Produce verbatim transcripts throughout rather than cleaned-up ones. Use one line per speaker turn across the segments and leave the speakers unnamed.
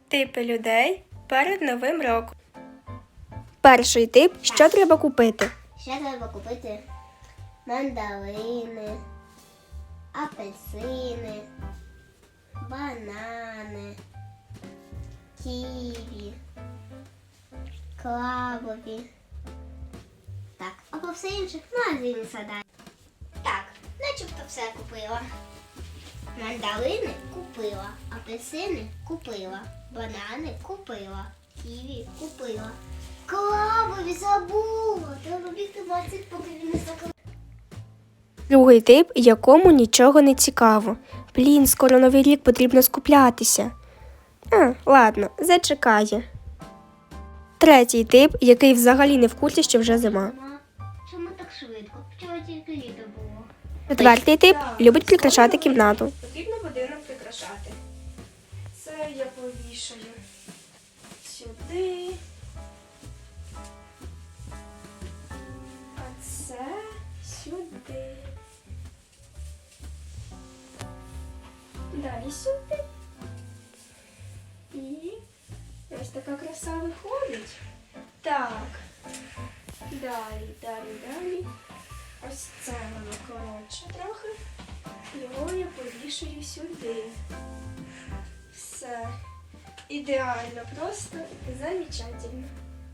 Типи людей перед Новим роком. Перший тип – що треба купити?
Ще треба купити мандарини, апельсини, банани, ківі, крабові. Так, а по все інше в магазині садай. Так, начебто все купила. Мандарини купила, апельсини купила, банани купила, ківі купила. Крабові забула! Треба бігти в магазин, поки він не закрив.
Другий тип, якому нічого не цікаво. Блін, скоро Новий рік, потрібно скуплятися. А, ладно, зачекає. Третій тип, який взагалі не в курсі, що вже зима.
Ма, чому так швидко? Вчора тільки літо було.
Четвертий тип любить прикрашати кімнату.
Потрібно будинок прикрашати. Це я повішаю сюди. А це сюди. Далі сюди. І ось така краса виходить. Так. Далі, далі, далі. Ось це воно коротше трохи. Його я повішую сюди. Все. Ідеально, просто замечательно.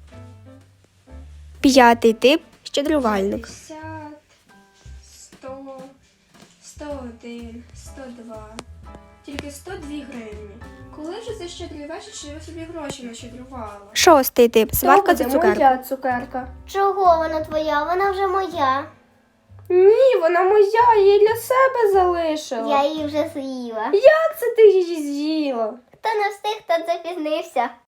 П'ятий тип – щедрувальник.
п'ятдесят, сто, сто один, сто два. Тільки сто дві гривні. Коли ж це щедрий вечір, що я собі гроші нащедрувала?
Шостий тип – сварка за цукерку.
Моя цукерка.
Чого вона твоя? Вона вже моя.
Ні, вона моя, я її для себе залишила.
Я її вже з'їла.
Як це ти її з'їла?
Хто не встиг, хто запізнився.